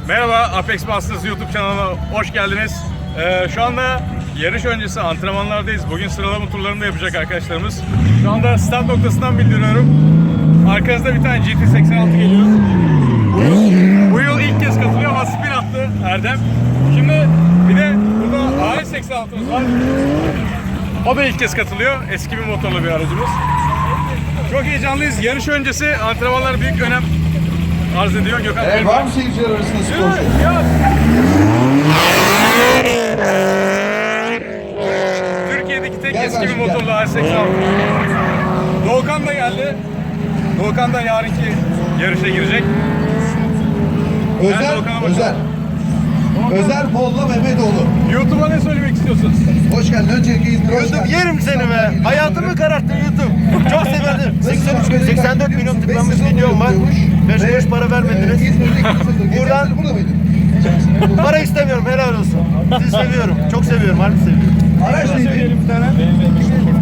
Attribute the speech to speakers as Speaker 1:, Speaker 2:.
Speaker 1: Merhaba, Apex Masters YouTube kanalına hoş geldiniz. Şu anda yarış öncesi antrenmanlardayız. Bugün sıralama turlarını da yapacak arkadaşlarımız. Şu anda start noktasından bildiriyorum. Arkanızda bir tane GT86 geliyor. Bu yıl ilk kez katılıyor ama spin attı Erdem. Şimdi bir de burada AS86'mız var. O da ilk kez katılıyor. Eski bir motorlu bir aracımız. Çok heyecanlıyız. Yarış öncesi antrenmanlar büyük önem arz ediyor. Gökhan
Speaker 2: Var mı seyirciler arasında sporcu?
Speaker 1: Türkiye'deki tek eski bir motorlu AS86. Doğukan da geldi. Doğukan da yarınki yarışa girecek.
Speaker 2: Özer Molla Mehmetoğlu.
Speaker 1: YouTube'a ne söylemek istiyorsun?
Speaker 2: Hoş geldin. Öncelikle İzmir'e hoş
Speaker 3: YouTube
Speaker 2: geldin.
Speaker 3: yerim seni be. Hayatımı kararttın YouTube. Çok severdim. 84 milyon tıklanmış videom var. 5 kuruş para vermediniz. Buradan para istemiyorum. Helal olsun. Sizi seviyorum. Çok seviyorum. Harbi seviyorum.
Speaker 2: Araç neydi?